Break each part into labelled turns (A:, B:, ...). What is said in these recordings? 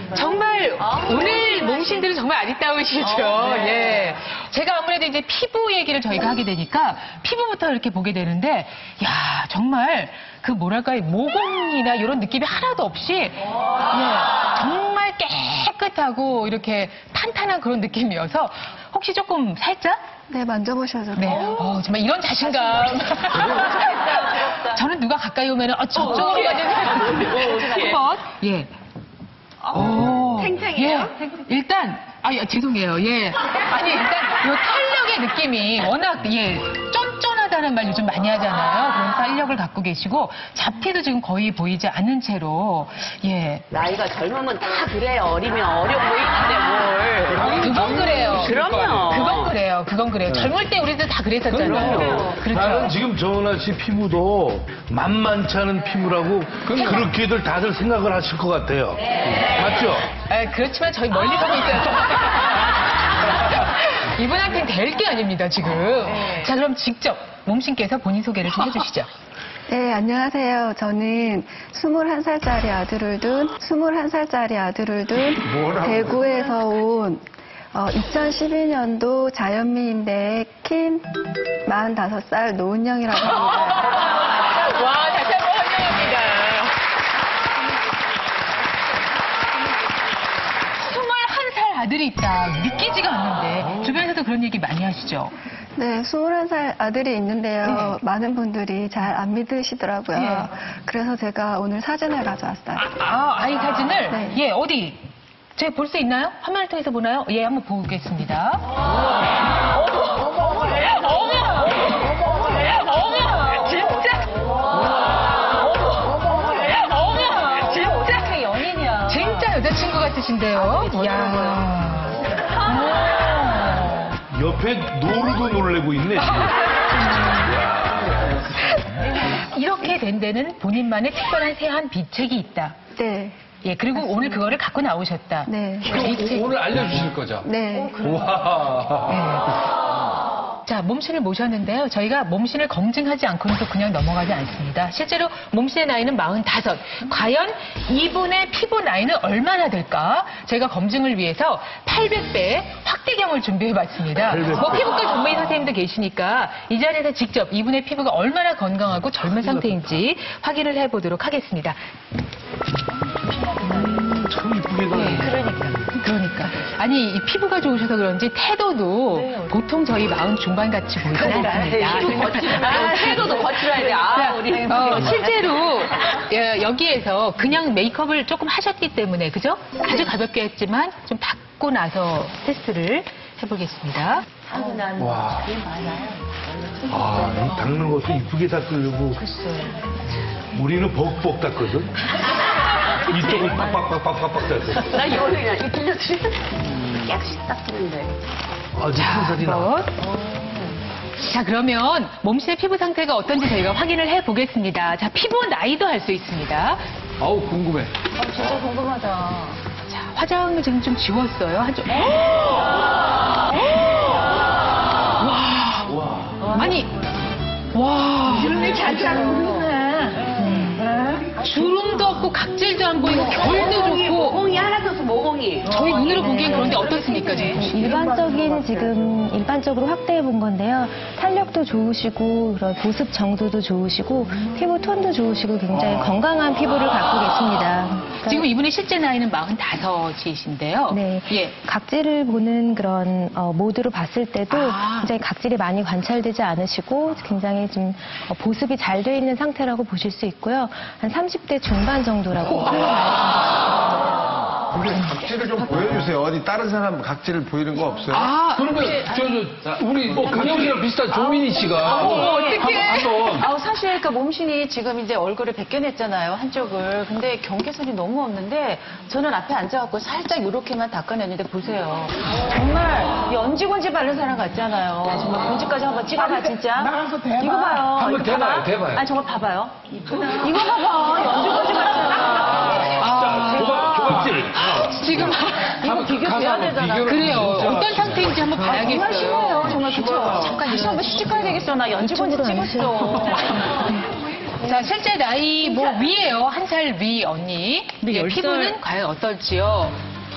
A: 정말 오늘 몸신들은 정말 아리따우시죠. 예. 제가 아무래도 이제 피부 얘기를 저희가 하게 되니까 피부부터 이렇게 보게 되는데, 야 정말 그 뭐랄까요 모공이나 이런 느낌이 하나도 없이 예, 정말 깨끗하고 이렇게 탄탄한 그런 느낌이어서 혹시 조금 살짝?
B: 네, 만져보셔도
A: 네.
B: 돼요.
A: 정말 이런 자신감. 저는 누가 가까이 오면 저쪽으로 가는 한번 예.
B: 탱탱해요?
A: 예. 일단 죄송해요. 예. 아니 일단 이 탄력의 느낌이 워낙 쫀쫀하다는 말 요즘 많이 하잖아요. 그런 탄력을 갖고 계시고 잡티도 지금 거의 보이지 않는 채로 예.
C: 나이가 젊으면 다 그래요. 어리면 어려 보이는데 뭘.
A: 그건 그래요.
C: 그럼요.
A: 그건 그래요. 젊을 때 우리들 다 그랬었잖아요.
D: 나는
A: 그렇죠.
D: 지금 정은아 씨 피부도 만만치 않은 피부라고 그렇게들 다들 생각을 하실 것 같아요. 맞죠?
A: 그렇지만 저희 멀리 서고 있어요. 이분한테는 될 게 아닙니다, 지금. 자, 그럼 직접 몸신께서 본인 소개를 좀 해주시죠.
B: 네, 안녕하세요. 저는 21살짜리 아들을 둔 대구에서 온 2012년도 자연미인대 킨 45살 노은영이라고 합니다.
A: 와, 다시 한번 환영합니다. 21살 아들이 있다. 믿기지가 않는데 주변에서도 그런 얘기 많이 하시죠?
B: 네, 21살 아들이 있는데요. 많은 분들이 잘 안 믿으시더라고요.
A: 예.
B: 그래서 제가 오늘 사진을 가져왔어요.
A: 아이 사진을?
B: 네.
A: 예, 어디? 제가 볼 수 있나요? 화면을 통해서 보나요? 예, 한번 보겠습니다. 진짜 연인이야. 진짜 여자친구 같으신데요? 이야.
D: 옆에 노루도 놀래고 있네.
A: 이렇게 된 데는 본인만의 특별한 세안 비책이 있다.
B: 네.
A: 예, 그리고 오늘 그거를 갖고 나오셨다.
B: 네.
E: 오늘 알려주실 거죠?
B: 네.
E: 와.
A: 자, 몸신을 모셨는데요. 저희가 몸신을 검증하지 않고는 또 그냥 넘어가지 않습니다. 실제로 몸신의 나이는 45. 과연 이분의 피부 나이는 얼마나 될까? 저희가 검증을 위해서 800배 확대경을 준비해봤습니다. 뭐 피부과 전문의 선생님도 계시니까 이 자리에서 직접 이분의 피부가 얼마나 건강하고 젊은 상태인지 확인을 해보도록 하겠습니다.
D: 참 이쁘게 나네.
A: 그러니까. 아니, 이 피부가 좋으셔서 그런지 태도도 보통 저희 40 중반 같이 보이지 않습니다.
C: 태도도 거칠어야 돼. 우리.
A: 실제로 여기에서 그냥 메이크업을 조금 하셨기 때문에, 그죠? 아주 가볍게 했지만 좀 닦고 나서 테스트를 해보겠습니다.
D: 와. 이 닦는 것도 이쁘게 닦으려고. 우리는 벅벅 닦거든. 이쪽은 빡빡빡빡빡 닦거든.
C: 나 이거는 그냥 이 빌려드리면 깨끗이 닦는데.
D: 아주 풍선이 나.
A: 자, 그러면 몸신의 피부 상태가 어떤지 저희가 확인을 해보겠습니다. 자, 피부 나이도 할 수 있습니다.
E: 아우, 궁금해.
C: 진짜 궁금하다.
A: 자, 화장을 지금 좀 지웠어요. 한쪽. 와. 아니, 와.
F: 주름이 잘자르구나.
A: 주름도 없고 각질도 안 보이고 결도 좋고.
C: 모공이 하나도 없어, 모공이.
A: 저희 눈으로 보기엔 그런데 어떻습니까, 지금?
G: 일반적으로 확대해 본 건데요. 탄력도 좋으시고, 그런 보습 정도도 좋으시고, 피부 톤도 좋으시고, 굉장히 건강한 피부를 갖고 계십니다.
A: 지금 이분의 실제 나이는 45이신데요.
G: 네.
A: 예.
G: 각질을 보는 그런 모드로 봤을 때도
A: 아.
G: 굉장히 각질이 많이 관찰되지 않으시고 굉장히 좀 보습이 잘 돼 있는 상태라고 보실 수 있고요. 한 30대 중반 정도라고
H: 우리 각질을 좀 보여주세요. 어디 다른 사람 각질을 보이는 거 없어요?
E: 그러면, 우리 은영 씨랑 비슷한 조민희 씨가.
C: 아우, 사실 그 몸신이 지금 이제 얼굴을 벗겨냈잖아요, 한쪽을. 근데 경계선이 너무 없는데 저는 앞에 앉아갖고 살짝 이렇게만 닦아냈는데 보세요. 정말 연지곤지 바른 사람 같잖아요. 정말 본지까지 한번 찍어봐, 진짜.
F: 나가서 대봐.
C: 이거 봐요.
E: 한번
C: 이거
E: 대봐요,
C: 봐봐.
E: 대봐요.
C: 아니, 저거 봐봐요. 이거 봐봐. 연지곤지 바르잖아.
D: 조각질.
A: 지금
C: 이거 비교돼야 되잖아.
A: 그래요. 어떤 상태인지 한번
C: 정말
A: 봐야겠어요.
C: 심해요. 정말 그쵸? 잠깐 다시 한번 시집 가야 되겠어. 나 연지곤지 찍었어.
A: 자, 실제 나이 뭐 위에요. 한 살 위 언니.
C: 근데
A: 예,
C: 10살
A: 피부는 과연 어떨지요?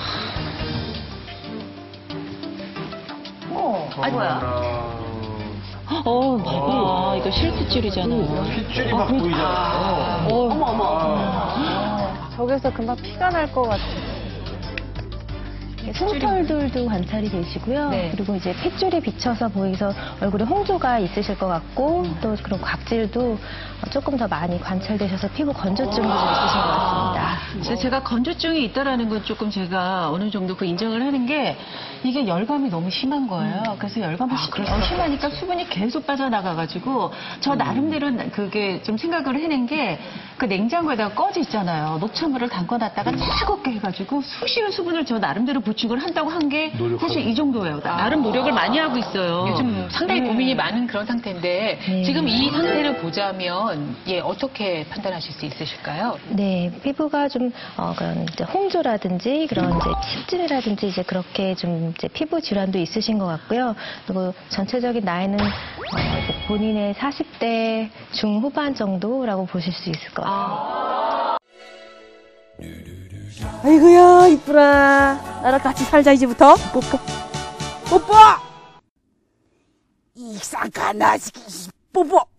C: 아, 이거 실핏줄이잖아요.
H: 핏줄이 막 보이잖아요.
B: 저기서 금방 피가 날 것 같아요.
G: 솜털들도 관찰이 되시고요.
A: 네.
G: 그리고 이제 핏줄이 비쳐서 보이서 얼굴에 홍조가 있으실 것 같고 또 그런 각질도 조금 더 많이 관찰되셔서 피부 건조증도 좀 있으신 것 같습니다.
C: 제가 건조증이 있다라는 건 조금 제가 어느 정도 그 인정을 하는 게 이게 열감이 너무 심한 거예요. 그래서 열감이 심하니까 수분이 계속 빠져나가가지고 저 나름대로 그게 좀 생각을 해낸 게 그 냉장고에다가 꺼지 있잖아요. 녹차물을 담궈놨다가 차갑게 해가지고 수시로 수분을 저 나름대로 보충을 한다고 한 게 사실 이 정도예요. 나름 노력을 많이 하고 있어요.
A: 요즘 상당히 고민이 많은 그런 상태인데
G: 네.
A: 지금 이 상태를 보자면 예, 어떻게 판단하실 수 있으실까요?
G: 네, 피부가 좀 그런 이제 홍조라든지 그런 이제 습진이라든지 이제 그렇게 좀 이제 피부 질환도 있으신 것 같고요. 그리고 전체적인 나이는 이제 본인의 40대 중후반 정도라고 보실 수 있을 것 같아요.
F: 아이고야 이쁘라. 나랑 같이 살자 이제부터. 뽀뽀. 뽀뽀. 이상한 나시기 뽀뽀.